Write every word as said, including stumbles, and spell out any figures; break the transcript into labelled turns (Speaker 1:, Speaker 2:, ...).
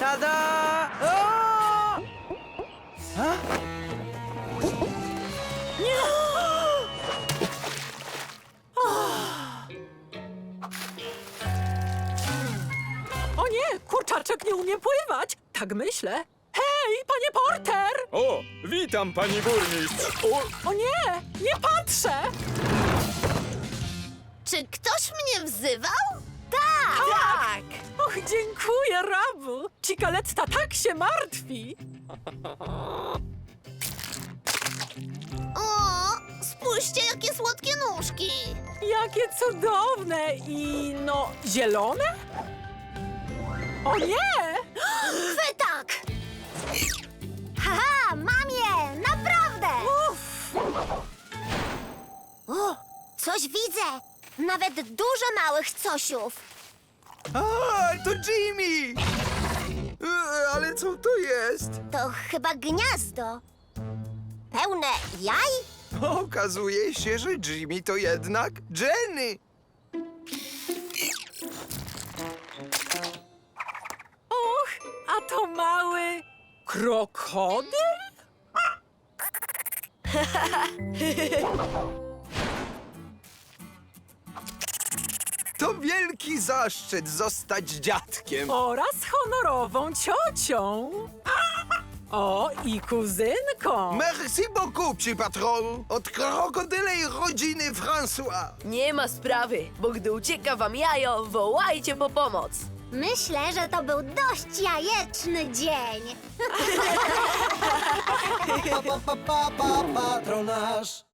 Speaker 1: Tada! O! A?
Speaker 2: Nie! O nie, kurczaczek nie umie pływać. Tak myślę. Hej, panie Porter!
Speaker 3: O, witam, pani burmistrz. O,
Speaker 2: O nie, nie patrzę!
Speaker 4: Czy ktoś mnie wzywał? Tak!
Speaker 2: Tak! Och, dziękuję, Rabu. Cikaletta tak się martwi.
Speaker 4: O, spójrzcie, jakie słodkie nóżki!
Speaker 2: Jakie cudowne i no, zielone? O nie!
Speaker 4: Chwytak! Haha, mam je! Naprawdę!
Speaker 2: Uff,
Speaker 4: O, coś widzę! Nawet dużo małych cosiów.
Speaker 1: A, to Jimmy! E, Ale co to jest?
Speaker 4: To chyba gniazdo. Pełne jaj?
Speaker 1: Okazuje się, że Jimmy to jednak Jenny.
Speaker 2: och, a to mały krokodyl?
Speaker 1: To wielki zaszczyt zostać dziadkiem.
Speaker 2: Oraz honorową ciocią. O, i kuzynką.
Speaker 1: Merci beaucoup, psi patron. Od krokodylej rodziny François.
Speaker 5: Nie ma sprawy, bo gdy ucieka wam jajo, wołajcie po pomoc.
Speaker 4: Myślę, że to był dość jajeczny dzień.
Speaker 6: Pa, pa, pa, pa, pa, patronaż.